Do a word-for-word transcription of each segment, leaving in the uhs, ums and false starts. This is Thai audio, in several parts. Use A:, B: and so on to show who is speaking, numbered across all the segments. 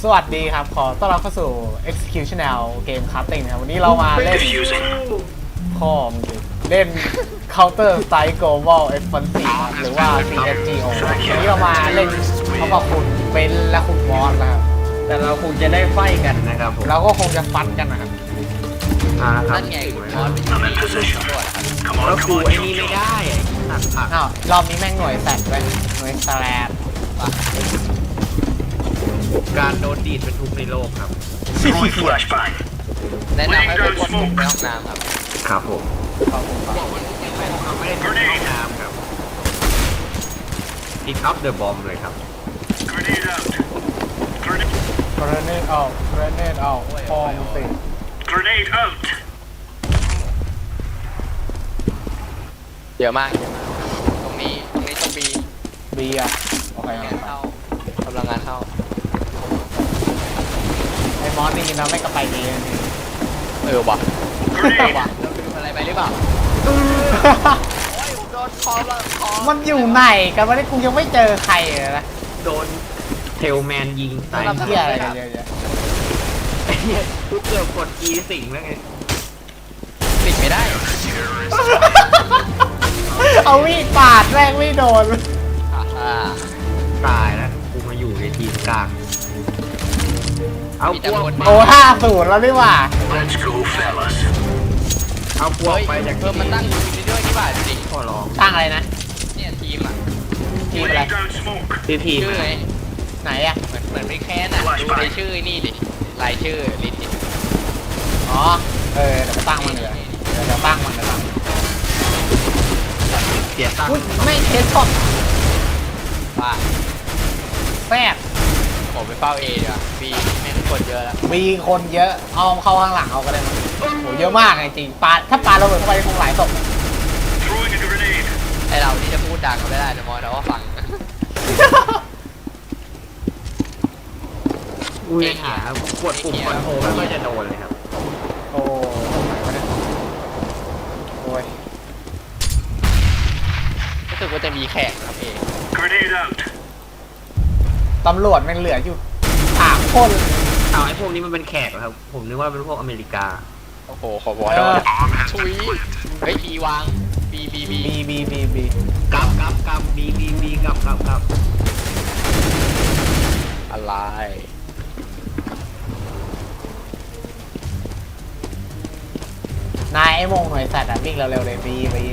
A: สวัสดีครับขอต้อนรับเข้าสู่ Executional เกมคัสติ้งนะครับวันนี้เรามาเล่นพ่อมเล่น Counter Strike Global Offensive ครับหรือว่า ซี เอส จี โอ วันนี้เรามาเล่นเขากับคุณเบนและคุณมอสนะครับ
B: แต่เราคงจะได้ไฟกันนะครับผม
A: เราก็คงจะฟัดกันนะครับ
B: อ่าครับ
C: นั่นไงคุณมอสเป็นที่มีตัวครับ
B: แล้วกูไอ้นี่ไม่ได้ตัดผัก
A: อ้าวรอบนี้แม่งหน่วยแซดไปหน่วยสแลบ
B: การโดนดีดเป็นทุกในโลกครับ
C: แนะนำให้ไปกดปุ่มในห้องน้ำครับ
B: ครับผม
A: ขอบคุณครับ
B: ไม่ได้ทำในห้องน้ำครับพิกอัพเดอะบอมเลยครับ
A: Grenade out Grenade out Grenade out พอมสิ
D: Grenade out
C: เยอะมากเยอะมากตรงนี้ตรงนี้ต้องบี
A: บีอ่ะโอเค
C: งานเข้ากำลังงานเข้า
A: ไอ้มอสนี่เราไม่กระไปดีนี่
C: เออว่ะว่ะเราลืมอะไรไปหรือเปล่าโอ้ยผมโดนคอแล้วคอ
A: มันอยู่ไหนกันวะนี่กูยังไม่เจอใครเลยนะ
B: โดนเทลแมนยิงตาย
A: ทำเพี้ยอะไรกันเยอะ
B: ๆไอ้เหี้ยกูเกือบกด E สิงแล้วไง
C: ติดไม่ได้
A: เอามีดปาดแรงไม่โดน
B: ตายแล้วกูมาอยู่ในทีมกลางเอาพวก
A: โอ้ห้าศูนย์แล้วนี่ว่า
D: Let's go fellas
B: เอาพวกไปจาก
C: เพิ่มมันตั้งทีมด้วยนี่ป่ะจริง
B: ขอร้อง
A: ตั้งอะไรนะ
C: เนี่ยทีมอ่ะ
A: ทีมอะไร
B: ทีทีม
C: ชื่อไง
A: ไหนอ่ะ
C: เหมือนเหมือนไม่แค้นอ่ะดูในชื่อนี่ดิรายชื่อลิสต์
A: อ๋อเออเดี๋ยวตั้งมันเลยเดี๋ยวตั้งมันเดี๋ยวตั้ง
B: เสียตังค์
A: ไม่เทสช็อต
C: ว่า
A: แซ่บ
C: ผมไปเฝ้าเอดีกว่าบีแม่งคนเยอะแล้ว
A: มีคนเยอะเอาเข้าข้างหลังเอาก็ได้มั้งโหเยอะมากจริงปาถ้าปาระเบิดเข้าไปคงหลายศพ
C: ไอเราที่จะพูดดังก็ไม่ได้นะมอสแต่ว่าฟัง
B: กูยังหากดปุ่มคอนโทรลไม่ค่อยจะโดนเลยครับ
A: โอ้โอ้ย
C: รู้สึกว่าจะมีแขกครับเอง
A: ตำรวจมันเหลืออยู่สามคน
B: เอาไอ้พวกนี้มันเป็นแขกเหรอครับผมนึกว่าเป็นพวกอเมริกา
C: โอ้โหขอบอยชุยเฮ้ยบีวางบีบีบี
A: บีบีบีบี
B: กับกับกับบีบีบีกับกับกับ
C: อะไร
A: นายไอ้โมงหน่วยสัตว์อ่ะวิ่งเร็วๆเลยบีบี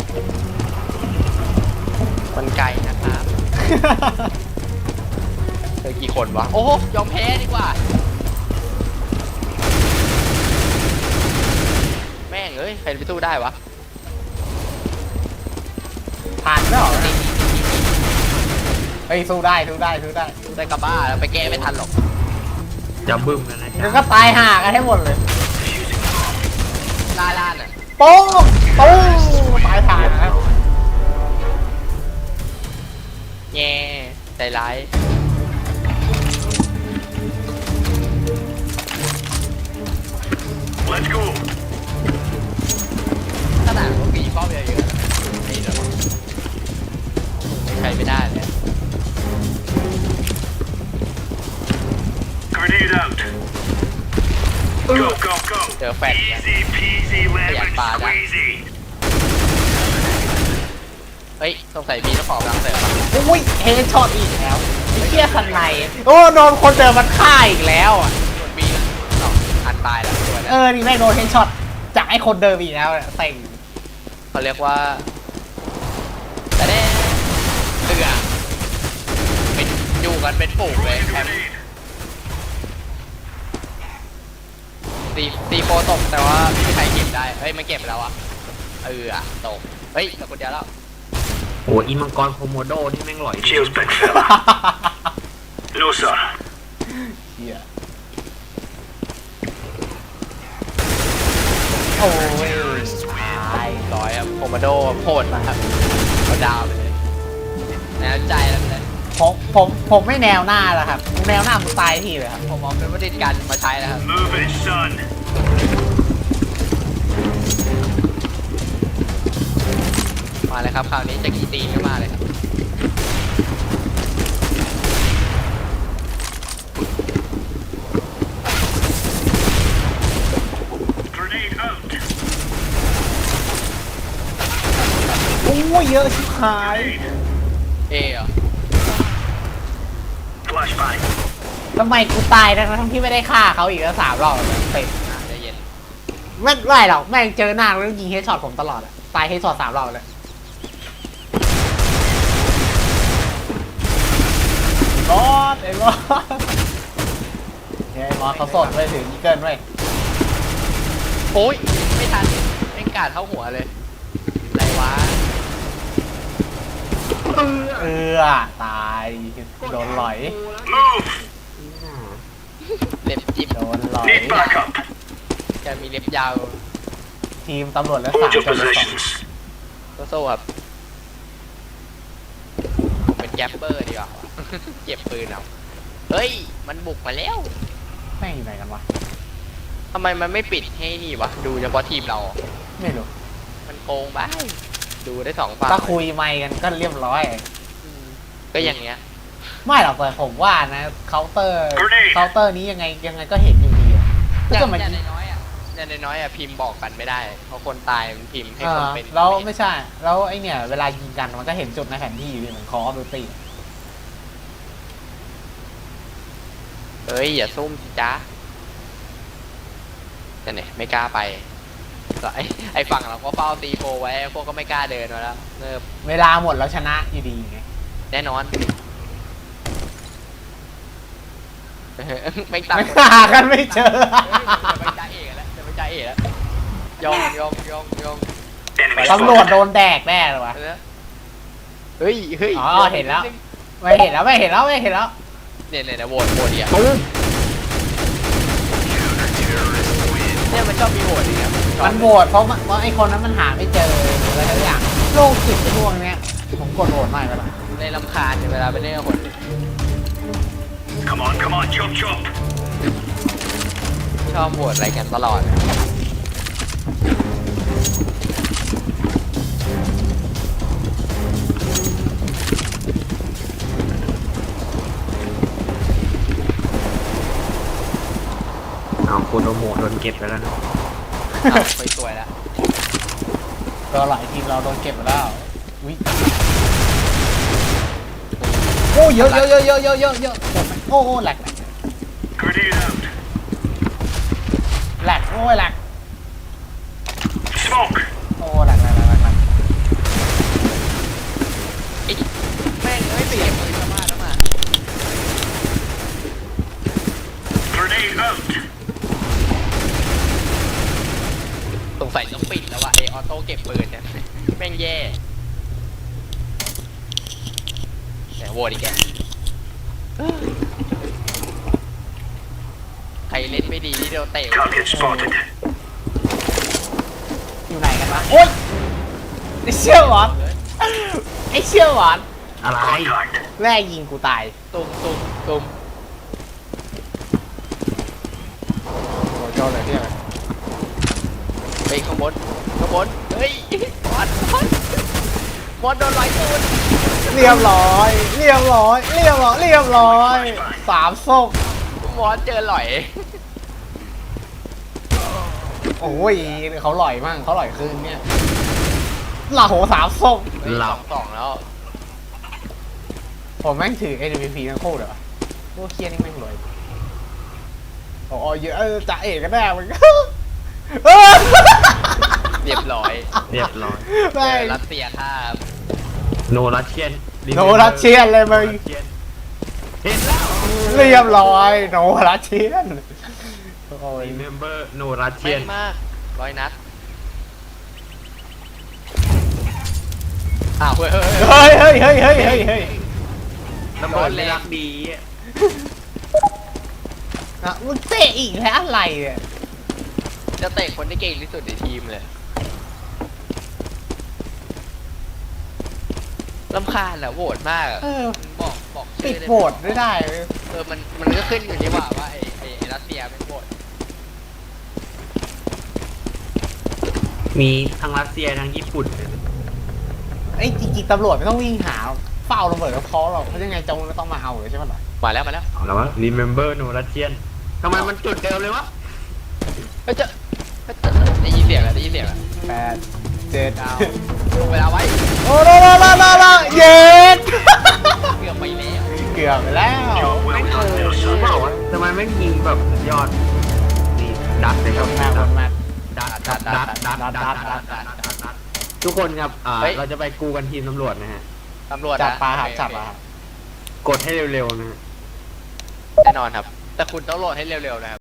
C: มันไกลนะครับเจอกี่คนวะโอ้ยอมแพ้ดีกว่าแม่งเอ้ยใครไปสู้ได้วะ
A: ผ่านแล้วเหรอเฮ้ยสู้ได้สู้ได้สู้ได้
C: สู้ได้กับบ้าแล้วไปแก้ไม่ทันหรอก
B: จะบึ้มแล้วนะ
A: เดี๋ยวก็ตายห่ากันให้หมดเลย
C: ล่าล่าน่ะ
A: โป้งโป้งตายห่านะ
C: แง่ใจร้ายขนาดพวกปีป้อมเยอะๆนี่เหรอใครไม่ได้เลย
D: Grenade out Go go go
C: เจอแฟน
D: Easy peasy lemon squeezy
C: เฮ้ยสงสัยมีเจ้าของรังเสริม
A: อุ้ยเฮดช็อตอีกแล้วเชี่ยสันในโอ้โดนคนเดิมมันฆ่าอีกแล้วอ่ะ
C: ส่วนบีนะสองอันตายแล้วตัวนั้น
A: เออนี่แม่งโดนเฮดช็อตจากไอ้คนเดิมอีกแล้วเต็ง
C: เขาเรียกว่าแต่เด้เตือเป็นอยู่กันเป็นฝูงเลยแคมตีตีโฟตกแต่ว่าไม่มีใครเก็บได้เฮ้ยมันเก็บแล้วอะเอออะตกเฮ้ยแต่คนเดียวแล้ว
B: โอ้อีมังกรโคโมโดนี่แม่งหล่อย
D: Cheers big fella No sir
A: เฮียโอ้ย
C: ตายร้อยอะโคโมโดโหดมากครับเอาดาวไปเลยแนวใจแล้วเลย
A: ผมผมผมไม่แนวหน้าแล้วครับแนวหน้ามึงตายทีเลยครับ
C: ผมเอาเป็นวัตถุดิบกันมาใช้แล้วครับ
D: Move it son
C: มาเลยครับคราวนี้จะกี่ตีนก็มาเลยครับ
A: เยอะชิบหาย
C: เอเหรอ
D: Flashbang.
A: ทำไมกูตายทั้งที่ไม่ได้ฆ่าเขาอีกแล้วสามรอบเลยเต็ม
C: อ่ะใจเย็น
A: ไม่ไม่หรอกแม่งเจอหน้าแล้วยิงเฮดช็อตผมตลอดอะตายเฮดช็อตสามรอบเลยบอสไอ้บอสไอ้บอสเขาสดไปถึงอีเกิลไว้
C: โอ้ยไม่ทันแม่งกาดเข้าหัวเลยอะไรวะ
A: เออตายโดนหลอย
D: Move.
C: เล็บจิ้ม
A: โดนหลอย
D: Need backup.
C: จะมีเล็บยาว
A: ทีมตำรวจและสาม
D: Hold your
A: จนเลยสอง
D: positions.
C: โซ่ครับผมเป็นแกปเปอร์ดีกว่า เก็บปืนเอาเฮ้ยมันบุกมาแล้ว
A: แม่งอยู่ไหนกันวะ
C: ทำไมมันไม่ปิดให้นี่วะดูเฉพาะทีมเรา
A: ไม่รู้
C: มันโกงไปดูได้สองฝั่ง
A: ถ้าคุยไม่กันก็เรียบร้อย
C: อืมก็อย่างเงี้ย
A: ไม่หรอกแต่ผมว่านะเคาน์เตอร์
D: Grenade
A: เคาน์เตอร์นี้ยังไงยังไงก็เห็นอยู่ดีอะก็
C: อย่า
A: จะ
C: ง
A: มา
C: อย่างน้อยๆอ่ะอย่างน้อยๆอ่ะพิมพ์บอกกันไม่ได้ เพราะคนตายมันพิมพ์ให้
A: เอ
C: คน
A: อ
C: เป็น
A: แล้วไม่ใช่ แล้วไอเนี่ยเวลายิงกันมันก็เห็นจุดในแผนที่อยู่ดีเหมือนคอร์ดูตี
C: เฮ้ยอย่าซุ่มสิจ้าแต่เนี่ยไม่กล้าไปไอ้ไอ้ฝั่งเราก็เฝ้าตีโฟไว้พวกก็ไม่กล้าเดินมาแล้วเนิบ
A: เวลาหมดแล้วชนะอยู่ดีไง
C: แน่นอน ไม่ตัง
A: ไม่หากันไม่เจอ
C: จะไปจ่าเอกแล้วจะไปจ่าเอกแล้วยองยองยองยอง
D: Enemy
A: ตำรวจโด
D: spotted.
A: นแดกแน่เลยวะ
C: เฮ้ยเฮ้ย
A: อ๋อเห็นแล้ว ไม่เห็นแล้วไม่เห็นแล้วไม่เห็นแล้ว
C: เนี่ยเนี่ยโหวตโหวตเดียวเนี่ยมันชอบมีโหวตอย่างเงี้ยชอบ
A: มันโหวตเพราะมันเพราะไอคนนั้นมันหาไม่เจออะไรทุกอย่างโลกจิตในพวกเนี้ยผมกดโหวตไม่ก็ได้
C: เลยรำคาญเวลาไปเล่นกับคน
D: Come on, come on, chop chop.
C: ชอบโหวตอะไรกันตลอด
B: เอาโคโนโมะโดนเก็บไปแล้วนะ
C: อ่ะไปสวยแล้ว
A: ก็หลายทีมเราโดนเก็บไปแล้วอุ้ยโอ้เยอะเยอะเยอะเยอะเยอะเยอะเยอะโอ้โหแหลกแหลก
D: Grenade out.
A: แหลกโอ้ยแหลก
D: Smoke.
A: โอ้แหลกแหลกแหลกแหลกแหลก
C: ไอ้แม่งเอ้ยไปเก็บปืนมาแล้วมา
D: Grenade out.
C: สงสัยต้องปิดแล้วว่ะไอออโต้เก็บปืนเนี่ยแม่งแย่แต่โหวตอีกแกใครเล่นไม่ดีที่เราเตะ
D: Target spotted.
A: อยู่ไหนกันวะโอ้ยไอเชี่ยวหวานไอเชี่ยวหวาน
B: อะไร
D: Contact.
A: แม่ยิงกูตาย
C: ตุ้มตุ้มตุ้ม
A: โอ้เจ้าเลยที่ไหน
C: ไปข้างบนข้างบนเฮ้ยบอลบอลบอลโดนลอยตูน
A: เรียบร้อย เรียบร้อย เรียบร้อย เรียบร้อย สามส้ม
C: บอลเจอหลอย
A: โอ้ยเขาหล่อยมั่งเขาหล่อยคืนเนี่ยหล่าโหสามส้ม
C: เฮ้ยสองสองแล้ว
A: ผมแม่งถือ เอ็ม วี พี ทั้งคู่เลยวะพวกเคียนี่แม่งรวยโอ้ยเยอะเออจ่าเอกก็ได้มันเออ
C: เรียบร้อย
B: เรียบร้อย
C: เจ
A: แม่
C: อง รัสเซียท่า
B: โนรัสเชียน
A: โนรัสเชียนเลยมึง
B: เห็นแล้ว
A: เรียบร้อยโนรัสเชียนโอ้ย
B: Remember โนรัสเชี
C: แม่
B: ยน
C: นมากร้อยนัดอ้าวเฮ้ยเฮ้ยเฮ้ย
A: เฮ้ยเฮ้ยเฮ้ยเฮ้ยเฮ้ยเฮ้ย
B: ระเบิดไม่รักดี
A: อ่ะมึงเตะอีกแล้วอะไรเนี่ย
C: จะเตะคนที่เก่งที่สุดในทีมเลยลำคาญอะโหวตมากอะ
A: เออ
C: บอกบอก
A: ปิ
C: ชื่
A: ด
C: อได้
A: โหวตไม่ได้เลย
C: เออมันมันก็ขึ้นอยู่นี่หว่าว่าไอ้ไอ้ไอ้รัสเซียเป็นโหวต
B: มีทั้งรัสเซียทั้งญี่ปุ่น
A: ไอ้จริงๆตำรวจไม่ต้องวิ่งหาเฝ้าระเบิดก็พอหรอกเพราะยังไงจงก็ต้องมาเอาเลยใช่ไหมล่ะ
C: มาแล้วมาแล้ว
B: เอาแล้ววะ Remember โนรัสเชียนทำไมมันจุดเดิมเลยวะ
C: เฮ้ยเจะเฮ้ยเจ้าได้ยินเสียงแล้วได้ยินเสียงแล้ว
A: แปดเจ็ด
C: เก้าลงเวลาไว้
A: โอ้โหโอ้โหโอ้โหโอ้โหเย็ด
C: เกือบไปแล้ว
A: เกือบไปแล้ว
B: ไม่เคยรู้เปล่าวะทำไมไม่ยิงแบบยอดนี่ดัดเลยครับ
A: มากมากมาก
B: ดัดดัดดัดดัดดัดดัดดัดดัดทุกคนครับอ่าเราจะไปกูกันทีมตำรวจนะฮะ
C: ตำรวจ
A: จับ
C: นะ
A: ปลาครับ
C: โอเ
A: จับปลาครับ
B: กดให้เร็วๆนะฮะ
C: แน่นอนครับ แต่คุณต้องโหลดให้เร็วๆนะครับ